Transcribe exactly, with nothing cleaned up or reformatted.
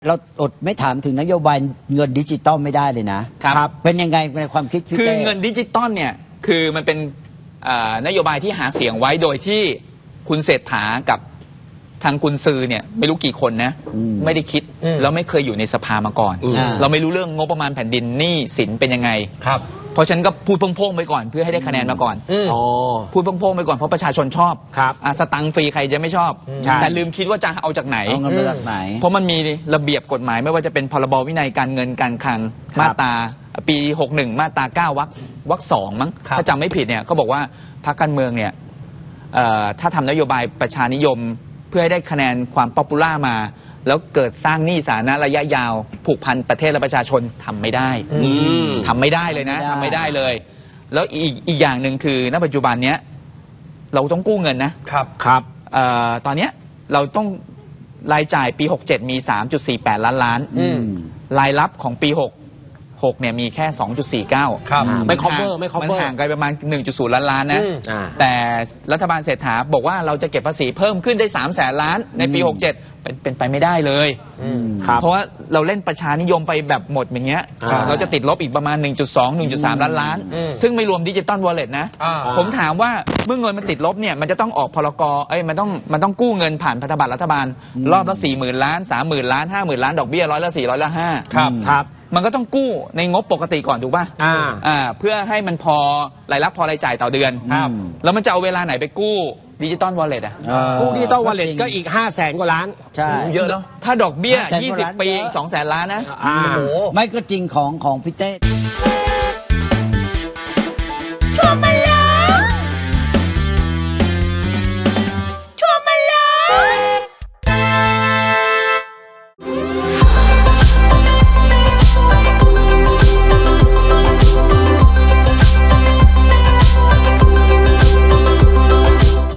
เราอดไม่ถามถึงนโยบายเงินดิจิตอลไม่ได้เลยนะครับเป็นยังไงในความคิดพี่คือเต้เงินดิจิตอลเนี่ยคือมันเป็นนโยบายที่หาเสียงไว้โดยที่คุณเศรษฐากับทางกุนซือเนี่ยไม่รู้กี่คนนะไม่ได้คิดแล้วไม่เคยอยู่ในสภามาก่อน เราไม่รู้เรื่องงบประมาณแผ่นดินหนี้สินเป็นยังไงครับเพราะฉันก็พูดโพ่งๆไปก่อนเพื่อให้ได้คะแนนมาก่อนพูดโพ่งๆไปก่อนเพราะประชาชนชอบสตังค์ฟรีใครจะไม่ชอบแต่ลืมคิดว่าจะเอาจากไหนเอาเงินมาจากไหนเพราะมันมีระเบียบกฎหมายไม่ว่าจะเป็นพรบวินัยการเงินการคลังมาตราปีหกสิบเอ็ดมาตราเก้าวรรควรรคสองมั้งถ้าจำไม่ผิดเนี่ยเขาบอกว่าพรรคการเมืองเนี่ยถ้าทำนโยบายประชานิยมเพื่อให้ได้คะแนนความป๊อปปูล่ามาแล้วเกิดสร้างหนี้สาธารณะระยะยาวผูกพันประเทศและประชาชนทำไม่ได้ทำไม่ได้เลยนะทำไม่ได้เลยแล้วอีกอีกอย่างหนึ่งคือณปัจจุบันเนี้ยเราต้องกู้เงินนะครับครับตอนเนี้ยเราต้องรายจ่ายปีหกสิบเจ็ดมี สามจุดสี่แปด ล้านล้านรายรับของปีหกสิบหกเนี่ยมีแค่ สองจุดสี่เก้าครับไม่ cover ไม่ cover มันห่างกันประมาณ หนึ่งจุดศูนย์ ล้านล้านนะแต่รัฐบาลเศรษฐาบอกว่าเราจะเก็บภาษีเพิ่มขึ้นได้สามแสนล้านในปีหกสิบเจ็ดเป็นเป็นไปไม่ได้เลยเพราะว่าเราเล่นประชานิยมไปแบบหมดอย่างเงี้ยเราจะติดลบอีกประมาณ หนึ่งจุดสอง หนึ่งจุดสาม ล้านล้านซึ่งไม่รวมดิจิตอลวอลเล็ตนะผมถามว่าเมื่อเงินมันติดลบเนี่ยมันจะต้องออกพรกเอ้ยมันต้องมันต้องกู้เงินผ่านพันธบัตรรัฐบาลรอบละสี่หมื่นล้านสามหมื่นล้านห้าหมื่นล้านดอกเบี้ยร้อยละสี่ร้อยละห้าครับครับมันก็ต้องกู้ในงบปกติก่อนถูกป่ะอ่าอ่าเพื่อให้มันพอรายรับพอรายจ่ายต่อเดือนครับแล้วมันจะเอาเวลาไหนไปกู้ดิจิตอลวอลเล็ตอ่ะกู้ดิจิตอลวอลเล็ตก็อีกห้าแสนกว่าล้านใช่เยอะเนาะถ้าดอกเบี้ยยี่สิบปีสองแสนล้านนะโอ้โหไม่ก็จริงของของพี่เต้